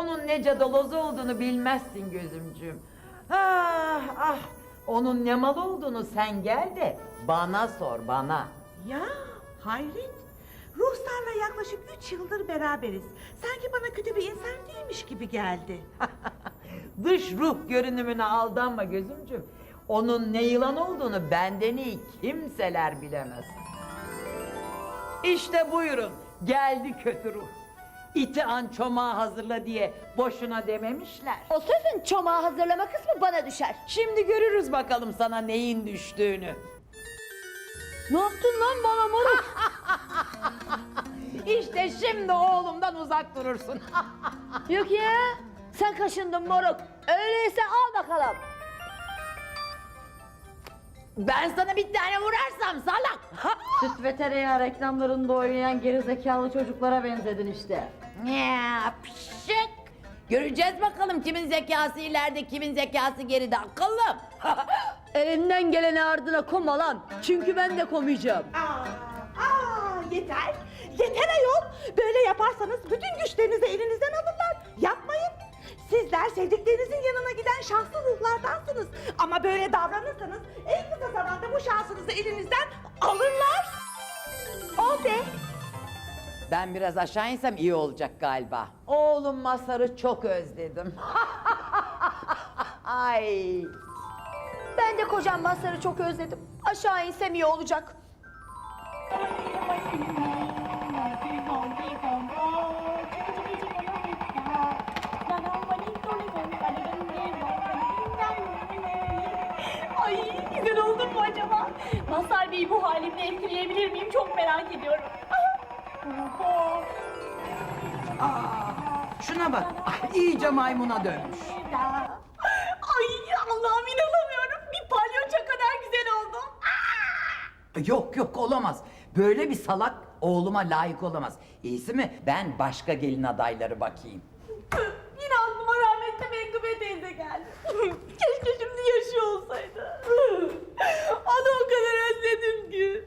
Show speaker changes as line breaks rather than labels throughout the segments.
Onun ne cadalozu olduğunu bilmezsin gözümcüğüm. Ah ah, onun ne mal olduğunu sen gel de bana sor, bana.
Ya hayret. Ruhsar'la yaklaşık 3 yıldır beraberiz. Sanki bana kötü bir insan değilmiş gibi geldi.
Dış ruh görünümüne aldanma gözümcüğüm. Onun ne yılan olduğunu benden iyi kimseler bilemez. İşte buyurun, geldi kötü ruh. İti an çomağı hazırla diye boşuna dememişler.
O sözün çomağı hazırlama kısmı bana düşer.
Şimdi görürüz bakalım sana neyin düştüğünü.
Ne yaptın lan bana moruk?
İşte şimdi oğlumdan uzak durursun.
Yok ya, sen kaşındın moruk. Öyleyse al bakalım.
Ben sana bir tane vurarsam salak.
Süt ve tereyağı reklamlarında oynayan gerizekalı çocuklara benzedin işte.
Ya pşık. Göreceğiz bakalım kimin zekası ileride, kimin zekası geride, akıllım.
Elinden geleni ardına koma lan. Çünkü ben de komayacağım.
Yeter. Yeter ayol. Böyle yaparsanız bütün güçlerinizi elinizden alırlar. Yapmayın. Sizler sevdiklerinizin yanına giden şanslı ruhlardansınız. Ama böyle davranırsanız en kısa zamanda bu şansınızı elinizden alırlar. O be.
Ben biraz aşağı insem iyi olacak galiba. Oğlum Mazhar'ı çok özledim. Ay.
Ben de kocam Mazhar'ı çok özledim. Aşağı insem iyi olacak.
Ay güzel oldum mu acaba? Mazhar Bey'i bu halimle etkileyebilir miyim? Çok merak ediyorum.
Şuna bak, iyice maymuna dönmüş.
Ay Allah'ım inanamıyorum. Bir palyaço kadar güzel oldum.
Yok yok, olamaz. Böyle bir salak oğluma layık olamaz. İyisi mi ben başka gelin adayları bakayım.
Yine aklıma rahmetli Menkıbe teyze geldi. Keşke şimdi yaşıyor olsaydı. Onu o kadar özledim ki.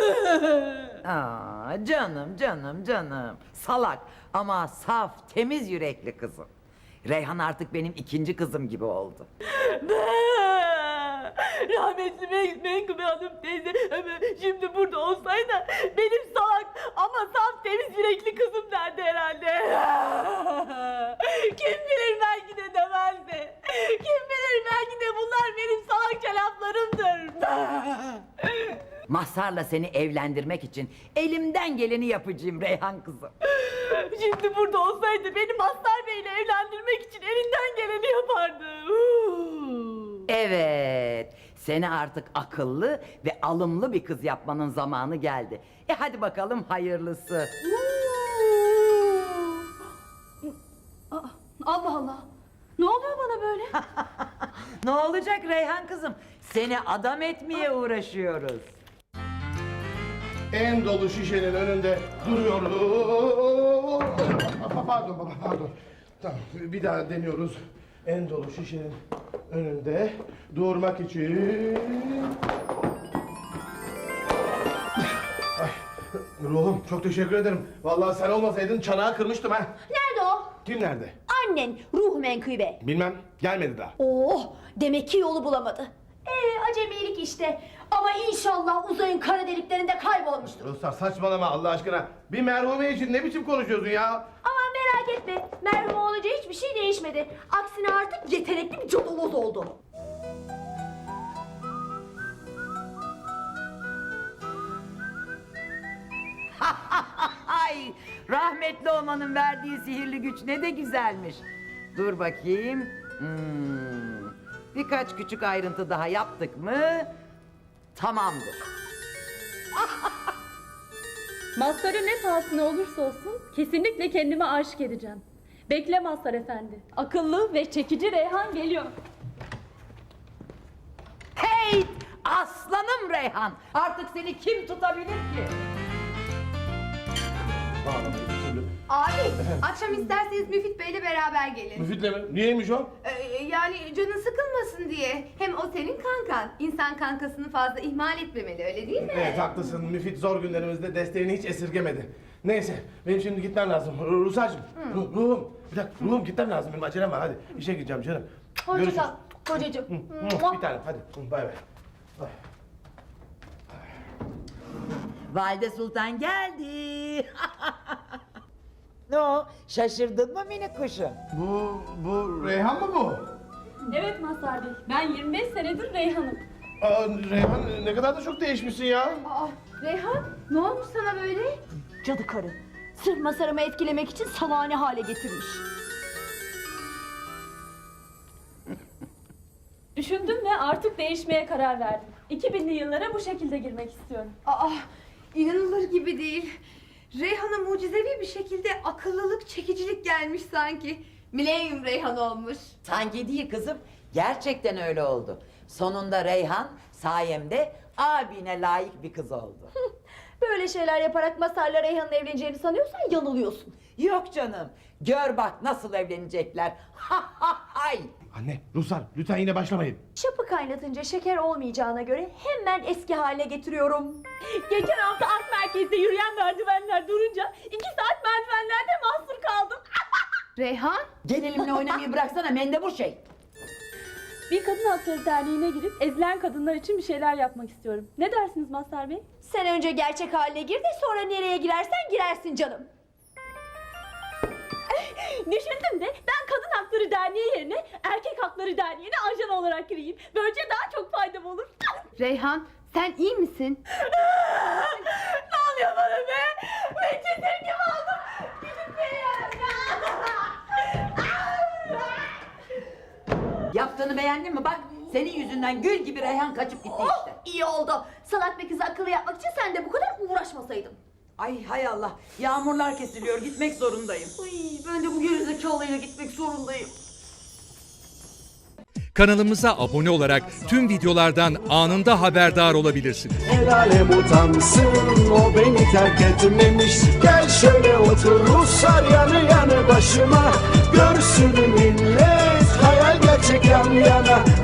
Aa, canım canım canım. Salak ama saf, temiz yürekli kızım. Reyhan artık benim ikinci kızım gibi oldu.
Rahmetli Menkıbe Hanım teyze şimdi burada olsaydı benim salak ama saf temiz yürekli kızım derdi herhalde. Kim bilir belki de demezdi. Kim bilir belki de bunlar benim salakça laflarımdır.
Mazhar'la seni evlendirmek için elimden geleni yapacağım Reyhan kızım.
Şimdi burada olsaydı beni Mazhar Bey'le evlendirmek için elinden geleni yapardı.
Evet, seni artık akıllı ve alımlı bir kız yapmanın zamanı geldi. Hadi bakalım hayırlısı.
Allah Allah. Ne oluyor bana böyle?
Ne olacak Reyhan kızım? Seni adam etmeye uğraşıyoruz.
En dolu şişenin önünde duruyoruz. Pardon baba, pardon. Tamam, bir daha deniyoruz. En dolu şişenin önünde durmak için. Ay, ruhum çok teşekkür ederim. Vallahi sen olmasaydın çanağı kırmıştım ha.
Nerede o?
Kim nerede?
Annen, ruh menkıbe.
Bilmem, gelmedi daha.
Oh, demek ki yolu bulamadı. Acemilik işte. Ama inşallah uzayın kara deliklerinde kaybolmuştur.
Ruslar saçmalama Allah aşkına. Bir merhume için ne biçim konuşuyorsun ya?
Aman merak etme. Merhum olunca hiçbir şey değişmedi. Aksine artık yetenekli bir cadaloz oldu.
Ay, rahmetli olmanın verdiği sihirli güç ne de güzelmiş. Dur bakayım. Birkaç küçük ayrıntı daha yaptık mı tamamdır.
Mazhar'ı ne pahasına olursa olsun kesinlikle kendime aşık edeceğim. Bekle Mazhar efendi. Akıllı ve çekici Reyhan geliyor.
Hey, aslanım Reyhan, artık seni kim tutabilir ki?
Bağlamayı bir türlü.
Abi, akşam isterseniz Müfit Bey'le beraber gelin.
Müfit'le mi? Niyeymiş o?
Yani canın sıkılmasın diye. Hem o senin kankan. İnsan kankasını fazla ihmal etmemeli, öyle değil mi?
Evet haklısın. Müfit zor günlerimizde desteğini hiç esirgemedi. Neyse benim şimdi gitmem lazım. Rusar'cığım. Ruhum. Bir dakika ruhum gitmem lazım. Benim acelem var hadi. İşe gideceğim canım.
Hoşça
Görüşürüz.
kal kocacığım.
Bir tanem hadi. Bay bay.
Valide Sultan geldi. Ne o? Şaşırdın mı minik kuşum?
Bu Reyhan mı bu?
Evet Mazhar Bey, ben 25 senedir Reyhan'ım.
Aa, Reyhan ne kadar da çok değişmişsin ya.
Aa, Reyhan ne olmuş sana böyle?
Cadı karı. Sırf Mazhar'ımı etkilemek için salağını hale getirmiş.
Düşündüm ve artık değişmeye karar verdim. 2000'li yıllara bu şekilde girmek istiyorum.
Aa, inanılır gibi değil. Reyhan'a mucizevi bir şekilde akıllılık, çekicilik gelmiş sanki. Milenyum Reyhan olmuş.
Sanki değil kızım. Gerçekten öyle oldu. Sonunda Reyhan sayemde abine layık bir kız oldu.
Böyle şeyler yaparak Mazhar'la Reyhan'ın evleneceğini sanıyorsan yanılıyorsun.
Yok canım. Gör bak nasıl evlenecekler. Ha ha hay.
Anne, Ruslar lütfen yine başlamayın.
Çapı kaynatınca şeker olmayacağına göre hemen eski haline getiriyorum. Geçen hafta Ak Merkez'de yürüyen merdivenler durunca 2 saat merdivenlerde mahsur kaldım.
Reyhan?
Gelilimle oynamayı bıraksana mendebur şey.
Bir kadın hakları derneğine girip ezilen kadınlar için bir şeyler yapmak istiyorum. Ne dersiniz Mazhar Bey?
Sen önce gerçek haline gir de sonra nereye girersen girersin canım. Düşündüm de ben Kadın Hakları Derneği yerine Erkek Hakları Derneği'ne ajan olarak gireyim. Böylece daha çok faydam olur.
Reyhan sen iyi misin?
Ne oluyor bana be? Ben çetir gibi oldum. Gidip
Yaptığını beğendin mi? Bak senin yüzünden gül gibi Reyhan kaçıp gitti işte.
İyi oldu. Salak bir kızı akıllı yapmak için sen de bu kadar uğraşmasaydın.
Ay hay Allah. Yağmurlar kesiliyor. Gitmek zorundayım.
Ay, ben de bu gerizekalıyla gitmek zorundayım.
Kanalımıza abone olarak tüm videolardan anında haberdar olabilirsiniz.
El alem utansın, o beni terk etmemiş. Gel şöyle otur Ruslar yanı yanı başıma. Görsün millet hayal gerçek yan yana.